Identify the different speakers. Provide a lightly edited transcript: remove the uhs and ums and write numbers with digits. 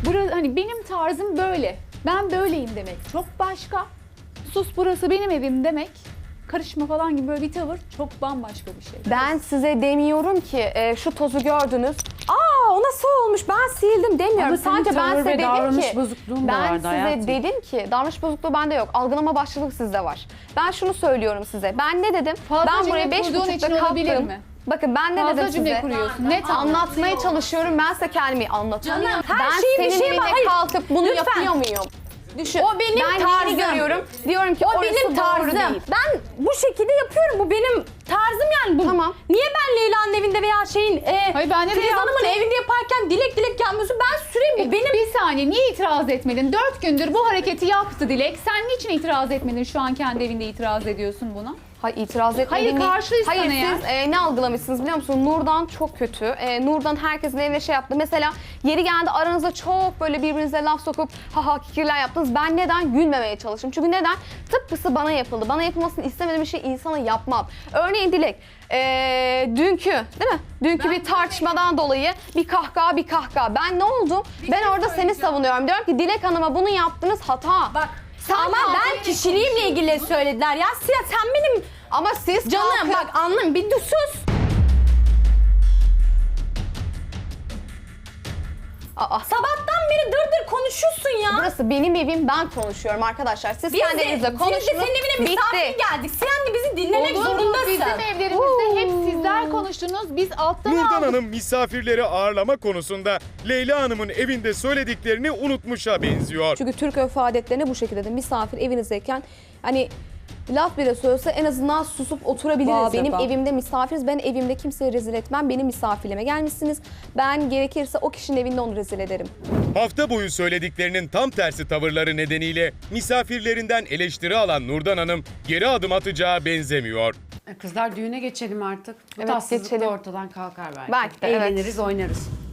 Speaker 1: Hani benim tarzım böyle. Ben böyleyim demek çok başka. Sus burası benim evim demek. Karışma falan gibi böyle bir tavır çok bambaşka bir şey.
Speaker 2: Ben size demiyorum ki şu tozu gördünüz. O nasıl olmuş ben sildim demiyorum.
Speaker 3: Ama senin
Speaker 2: Sadece ben
Speaker 3: tavır
Speaker 2: size
Speaker 3: ve
Speaker 2: dedim
Speaker 3: davranış
Speaker 2: ki
Speaker 3: bozukluğun da
Speaker 2: ben
Speaker 3: vardı
Speaker 2: size
Speaker 3: hayatım.
Speaker 2: dedim ki davranış bozukluğu bende yok. Algılama başlılık sizde var. Ben şunu söylüyorum size. Ben ne dedim?
Speaker 1: Fazla
Speaker 2: Ben
Speaker 1: cümle
Speaker 2: buraya
Speaker 1: kurduğun için
Speaker 2: 5.30'da
Speaker 1: olabilir
Speaker 2: kalktım.
Speaker 1: mi?
Speaker 2: Bakın ben ne
Speaker 1: Fazla
Speaker 2: dedim
Speaker 1: cümle
Speaker 2: size?
Speaker 1: kuruyorsun. Net
Speaker 2: Anlatmaya çalışıyorum. Ben size kendimi anlatıyorum.
Speaker 4: Canım, her
Speaker 2: ben
Speaker 4: şeyi bir
Speaker 2: senin
Speaker 4: şeye
Speaker 2: evine
Speaker 4: bak- hayır,
Speaker 2: kalkıp bunu
Speaker 4: lütfen.
Speaker 2: yapıyor muyum? Düşün.
Speaker 4: O benim
Speaker 2: ben
Speaker 4: tarzım.
Speaker 2: neyini görüyorum? Diyorum ki
Speaker 4: O
Speaker 2: orası
Speaker 4: benim
Speaker 2: doğru
Speaker 4: tarzım.
Speaker 2: değil.
Speaker 4: Ben bu şekilde yapıyorum. Bu benim tarzım yani. Bu.
Speaker 2: Tamam.
Speaker 4: Niye ben Leyla'nın evinde veya
Speaker 1: Hayır, ben de
Speaker 4: Filiz Hanım'ın
Speaker 1: yaptım.
Speaker 4: evinde yaparken dilek gelmiyorsun? Ben süreyim. Bu benim.
Speaker 1: Bir saniye niye itiraz etmedin? 4 gündür bu hareketi yaptı Dilek. Sen niçin itiraz etmedin? Şu an kendi evinde itiraz ediyorsun buna.
Speaker 2: Hayır itiraz etmedim.
Speaker 1: Hayır, karşıyız
Speaker 2: Hayır
Speaker 1: sana ya.
Speaker 2: siz ne algılamışsınız biliyor musunuz? Nurdan çok kötü. Nurdan herkesin evine şey yaptı. Mesela yeri geldi aranızda çok böyle birbirinize laf sokup haha kikirler yaptınız. Ben neden gülmemeye çalıştım? Çünkü neden? Tıpkısı bana yapıldı. Bana yapılmasını istemediğim bir şey insana yapmam. Örneğin Dilek. Dünkü değil mi? Dünkü bir tartışmadan dolayı bir kahkaha. Ben ne oldum? Ben orada seni savunuyorum. Diyorum ki Dilek Hanım'a bunu yaptınız hata.
Speaker 4: Bak.
Speaker 2: Sen
Speaker 4: Ama ben kişiliğimle ilgili söylediler ya. Sen benim
Speaker 2: ama siz
Speaker 4: canım
Speaker 2: kalkıp-
Speaker 4: bak anlayın bir sus. Sabahtan beri dır konuşuyorsun ya.
Speaker 2: Burası benim evim, ben konuşuyorum arkadaşlar. Siz
Speaker 4: Biz
Speaker 2: kendi
Speaker 4: de,
Speaker 2: evinizde
Speaker 4: biz
Speaker 2: konuşun.
Speaker 4: de senin evine misafir geldik. Sen de bizi dinlemek
Speaker 1: Olur mu?
Speaker 4: zorundasın.
Speaker 1: Bizim evlerimizde hep sizler konuştunuz. Biz alttan
Speaker 5: Nurdan
Speaker 1: aldık.
Speaker 5: Hanım misafirleri ağırlama konusunda Leyla Hanım'ın evinde söylediklerini unutmuşa benziyor.
Speaker 2: Çünkü Türk örf adetlerine bu şekilde de misafir evinizdeyken hani laf bile söylese en azından susup oturabiliriz. Benim evimde misafiriz. Ben evimde kimseyi rezil etmem. Benim misafirliğime gelmişsiniz. Ben gerekirse o kişinin evinde onu rezil ederim.
Speaker 5: Hafta boyu söylediklerinin tam tersi tavırları nedeniyle misafirlerinden eleştiri alan Nurdan Hanım geri adım atacağı benzemiyor.
Speaker 3: Kızlar düğüne geçelim artık. Bu
Speaker 2: Evet,
Speaker 3: tatsızlık da
Speaker 2: geçelim.
Speaker 3: ortadan kalkar belki.
Speaker 2: Belki de, evet.
Speaker 3: Eğleniriz, oynarız.